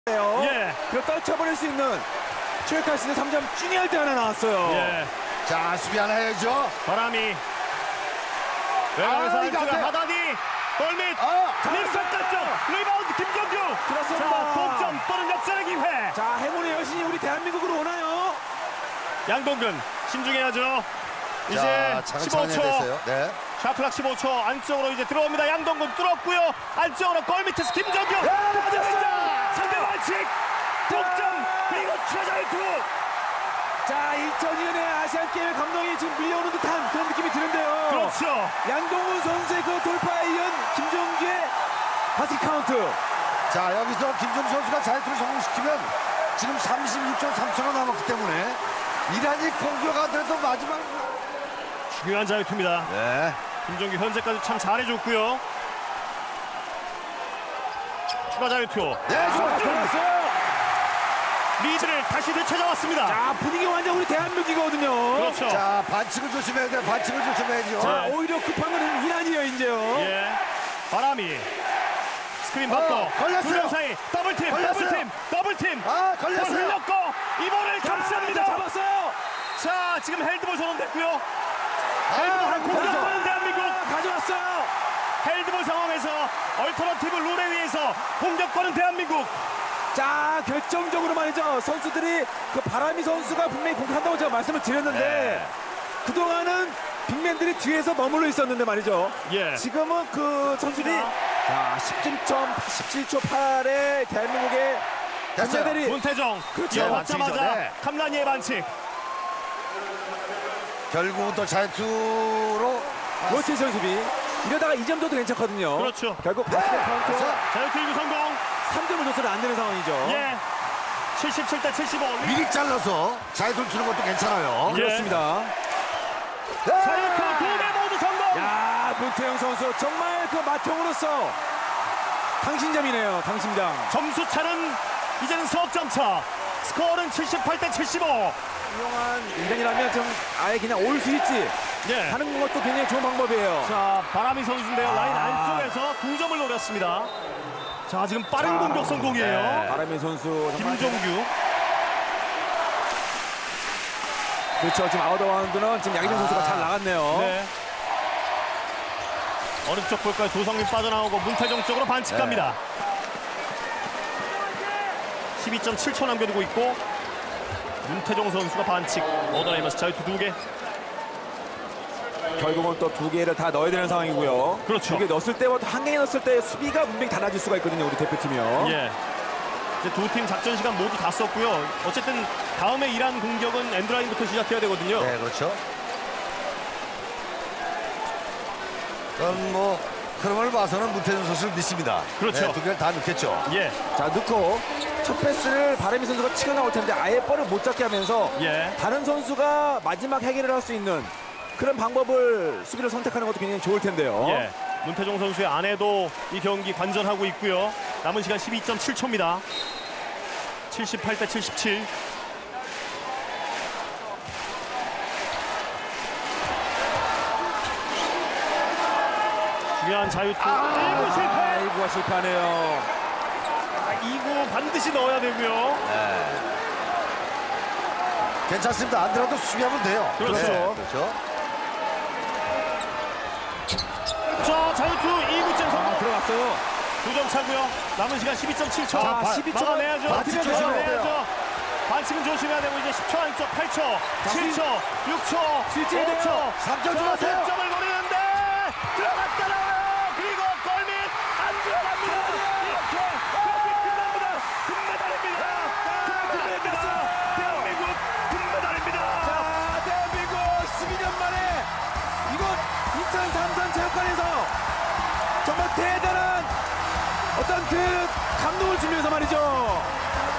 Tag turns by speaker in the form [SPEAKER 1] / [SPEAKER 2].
[SPEAKER 1] 예.
[SPEAKER 2] 그걸 떨쳐버릴 수 있는 최약할 수 있는 3점 중요할 때 하나 나왔어요.
[SPEAKER 1] 예.
[SPEAKER 3] 자, 수비 하나 해야죠.
[SPEAKER 1] 바람이 외곽에서
[SPEAKER 3] 이거 안
[SPEAKER 1] 안쪽에
[SPEAKER 3] 돼.
[SPEAKER 1] 하다니 골밑 림선 땄죠. 리바운드 김정규.
[SPEAKER 2] 그렇습니다.
[SPEAKER 1] 자, 동점 또는 역전의 기회.
[SPEAKER 2] 자, 행운의 여신이 우리 대한민국으로 오나요?
[SPEAKER 1] 양동근 신중해야죠. 이제
[SPEAKER 3] 자, 차근차근히
[SPEAKER 1] 15초.
[SPEAKER 3] 됐어요. 네.
[SPEAKER 1] 샤클락 15초 안쪽으로 이제 들어옵니다. 양동근 뚫었고요. 안쪽으로 골 밑에서 김정규. 맞았습니다. 상대 반칙. 동점. 그리고 최자유투.
[SPEAKER 2] 자, 2002년의 아시안게임 감동이 지금 밀려오는 듯한 그런 느낌이 드는데요.
[SPEAKER 1] 그렇죠.
[SPEAKER 2] 양동근 선수의 그 돌파에 이은 김종규의 바스켓 카운트.
[SPEAKER 3] 자, 여기서 김종수 선수가 자유투를 성공시키면 지금 36.3초가 남았기 때문에 이란이 공격하더라도 마지막.
[SPEAKER 1] 중요한 자유투입니다.
[SPEAKER 3] 네.
[SPEAKER 1] 김종규 현재까지 참 잘해줬고요. 추가 자유투.
[SPEAKER 3] 네, 좋았죠.
[SPEAKER 2] 들어갔어요.
[SPEAKER 1] 리드를 다시 되찾아왔습니다.
[SPEAKER 2] 자, 분위기 완전 우리 대한민국이거든요.
[SPEAKER 1] 그렇죠.
[SPEAKER 3] 자, 반칙을 조심해야 돼요. 반칙을 조심해야죠.
[SPEAKER 2] 자, 오히려 급한 건 이란이에요, 이제요.
[SPEAKER 1] 예. 바람이 스크린 받고
[SPEAKER 3] 걸렸어요.
[SPEAKER 1] 두 명 사이 더블팀,
[SPEAKER 3] 걸렸어요.
[SPEAKER 1] 더블팀.
[SPEAKER 3] 아,
[SPEAKER 1] 볼
[SPEAKER 3] 걸렸어요.
[SPEAKER 1] 흘렸고 이번을 감쌉니다.
[SPEAKER 2] 잡았어요.
[SPEAKER 1] 자, 지금 헬드볼 선언됐고요. 헬드볼 한 공격
[SPEAKER 2] 걸렸어.
[SPEAKER 1] 받는 대한민국.
[SPEAKER 2] 가져왔어요.
[SPEAKER 1] 헬드볼 상황에서 얼터너티브 룰에 의해서 공격권은 대한민국.
[SPEAKER 2] 자, 결정적으로 말이죠. 선수들이 그 바람이 선수가 분명히 공격한다고 제가 말씀을 드렸는데
[SPEAKER 1] 네.
[SPEAKER 2] 그동안은 빅맨들이 뒤에서 머물러 있었는데 말이죠.
[SPEAKER 1] 예.
[SPEAKER 2] 지금은 그 선수들이 자, 17초 8에 대한민국의
[SPEAKER 3] 됐어요.
[SPEAKER 2] 선수들이
[SPEAKER 1] 문태정
[SPEAKER 2] 그렇죠.
[SPEAKER 1] 이어받자마자
[SPEAKER 3] 반칙이죠. 네.
[SPEAKER 1] 캄라니의 반칙.
[SPEAKER 3] 결국은 또 자유투로.
[SPEAKER 2] 로테이션 수비 이러다가 2점 줘도 괜찮거든요.
[SPEAKER 1] 그렇죠.
[SPEAKER 2] 결국 바스켓 카운트
[SPEAKER 3] 그래서
[SPEAKER 1] 자유투 1구 성공.
[SPEAKER 2] 3점을 줘서는 안 되는 상황이죠.
[SPEAKER 1] 예. 77대 75.
[SPEAKER 3] 미리 잘라서 자유투를 주는 것도 괜찮아요.
[SPEAKER 1] 예.
[SPEAKER 2] 그렇습니다.
[SPEAKER 1] 자유투 2개 모두 성공.
[SPEAKER 2] 야, 문태영 선수 정말 그 마통으로서 강심장이네요. 강심장.
[SPEAKER 1] 점수 차는 이제는 석점 차. 스코어는 78대 75.
[SPEAKER 2] 훌륭한 인간이라면 좀 아예 그냥 올 수 있지
[SPEAKER 1] 예.
[SPEAKER 2] 하는 것도 굉장히 좋은 방법이에요.
[SPEAKER 1] 자, 바람이 선수인데요. 라인 안쪽에서 2점을 노렸습니다. 자, 지금 빠른 공격 성공이에요.
[SPEAKER 2] 바람의 선수 정말
[SPEAKER 1] 김종규.
[SPEAKER 2] 그렇죠. 지금 아웃어바운드는 지금 양희정 선수가 잘 나갔네요.
[SPEAKER 1] 네. 어느 쪽 볼까요? 조성민 빠져나오고 문태정 쪽으로 반칙 갑니다. 12.7초 남겨두고 있고 문태정 선수가 반칙 얻어내면서 자유투 2개.
[SPEAKER 2] 결국은 또 2개를 다 넣어야 되는 상황이고요.
[SPEAKER 1] 그렇죠.
[SPEAKER 2] 2개 넣었을 때와 한 개 넣었을 때 수비가 분명히 달라질 수가 있거든요. 우리 대표팀이요.
[SPEAKER 1] 예. 이제 두 팀 작전 시간 모두 다 썼고요. 어쨌든 다음에 이란 공격은 엔드라인부터 시작해야 되거든요.
[SPEAKER 3] 네, 그렇죠. 그럼 뭐 흐름을 봐서는 문태준 선수를 믿습니다.
[SPEAKER 1] 그렇죠.
[SPEAKER 3] 네, 두 개를 다 넣겠죠.
[SPEAKER 1] 예.
[SPEAKER 2] 자, 넣고 첫 패스를 바람이 선수가 치고 나올 텐데 아예 볼을 못 잡게 하면서
[SPEAKER 1] 예.
[SPEAKER 2] 다른 선수가 마지막 해결을 할 수 있는 그런 방법을 수비를 선택하는 것도 굉장히 좋을 텐데요.
[SPEAKER 1] 예. 문태종 선수의 아내도 이 경기 관전하고 있고요. 남은 시간 12.7초입니다. 78대 77. 중요한 자유투. 1구 실패.
[SPEAKER 2] 1구가 실패하네요.
[SPEAKER 1] 2구 반드시 넣어야 되고요.
[SPEAKER 3] 괜찮습니다. 안 들어도 수비하면 돼요.
[SPEAKER 1] 그렇죠.
[SPEAKER 3] 네, 그렇죠.
[SPEAKER 1] 자, 자유투 2구째 성공.
[SPEAKER 2] 들어갔어요.
[SPEAKER 1] 2점 차고요. 남은 시간 12.7초.
[SPEAKER 2] 자, 12초
[SPEAKER 1] 막아내야죠.
[SPEAKER 3] 반칙 조심해야 돼요.
[SPEAKER 1] 막아내야죠. 반칙은 조심해야 되고 이제 10초 안쪽 8초, 7초, 6초,
[SPEAKER 2] 스위치해야 돼요.
[SPEAKER 1] 5초.
[SPEAKER 3] 3점 주세요.
[SPEAKER 1] 3점을 노리는데 들어갔잖아요. 그리고 골밑 안 들어갑니다. 이렇게 경기 끝납니다. 금메달입니다. 금메달입니다. 대한민국 금메달입니다.
[SPEAKER 2] 자, 대한민국 12년 만에 이곳 인천 삼성체육관에서 정말 대단한 어떤 그 감동을 주면서 말이죠.